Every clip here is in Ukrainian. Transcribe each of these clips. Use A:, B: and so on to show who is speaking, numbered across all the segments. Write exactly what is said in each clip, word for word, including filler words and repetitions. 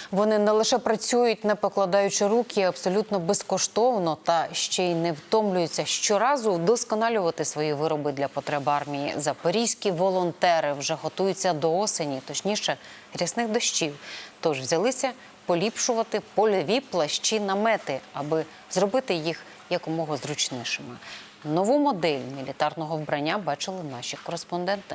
A: Вони не лише працюють, не покладаючи руки, абсолютно безкоштовно та ще й не втомлюються щоразу вдосконалювати свої вироби для потреб армії. Запорізькі волонтери вже готуються до осені, точніше, рясних дощів. Тож взялися поліпшувати польові плащі-намети, аби зробити їх якомога зручнішими. Нову модель мілітарного вбрання бачили наші кореспонденти.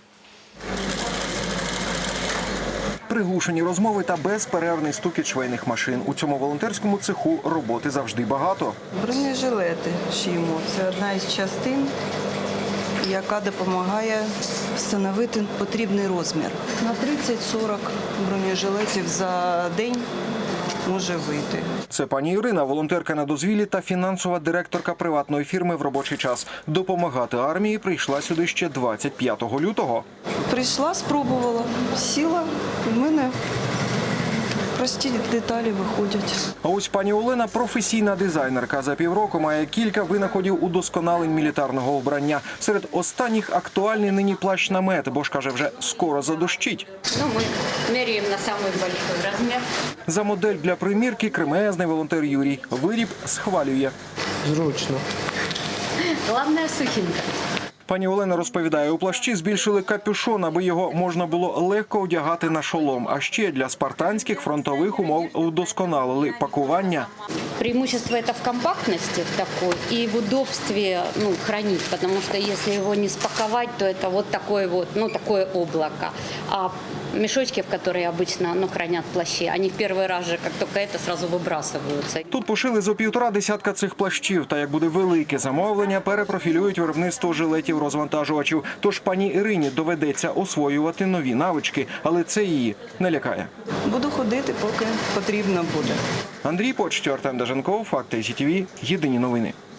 B: Приглушені розмови та безперервний стукіт швейних машин. У цьому волонтерському цеху роботи завжди багато.
C: Бронежилети шиємо. Це одна із частин, яка допомагає встановити потрібний розмір. На тридцять-сорок бронежилетів за день може вийти.
B: Це пані Ірина, волонтерка на дозвіллі та фінансова директорка приватної фірми в робочий час. Допомагати армії прийшла сюди ще двадцять п'ятого лютого.
C: Прийшла, спробувала, сіла, і в мене прості деталі виходять.
B: А ось пані Олена – професійна дизайнерка. За півроку має кілька винаходів удосконалень мілітарного вбрання. Серед останніх актуальний нині плащ-намет, бо ж, каже, вже скоро задощить.
D: Ну, ми міряємо на самий великий розмір.
B: За модель для примірки кремезний волонтер Юрій. Виріб схвалює.
E: Зручно.
D: Головне – сухенька.
B: Пані Олена розповідає, у плащі збільшили капюшон, аби його можна було легко одягати на шолом. А ще для спартанських фронтових умов удосконалили пакування.
D: Преимущество это в компактности в такой и в удобстве, ну, хранить, потому что если его не спаковать, то это вот такое вот, ну, такое облако. А мешочки, в которые обычно, ну, хранят плащи, они в первый раз же, как только это, сразу выбрасываются.
B: Тут пошили зо півтора десятка цих плащів. Та як буде велике замовлення, перепрофілюють виробництво жилетів-розвантажувачів. Тож пані Ірині доведеться освоювати нові навички, але це її не лякає.
C: Буду ходити, поки потрібно буде.
B: Андрій Почтєв, Артем Даженков, Факти СІ Ті В, єдині новини.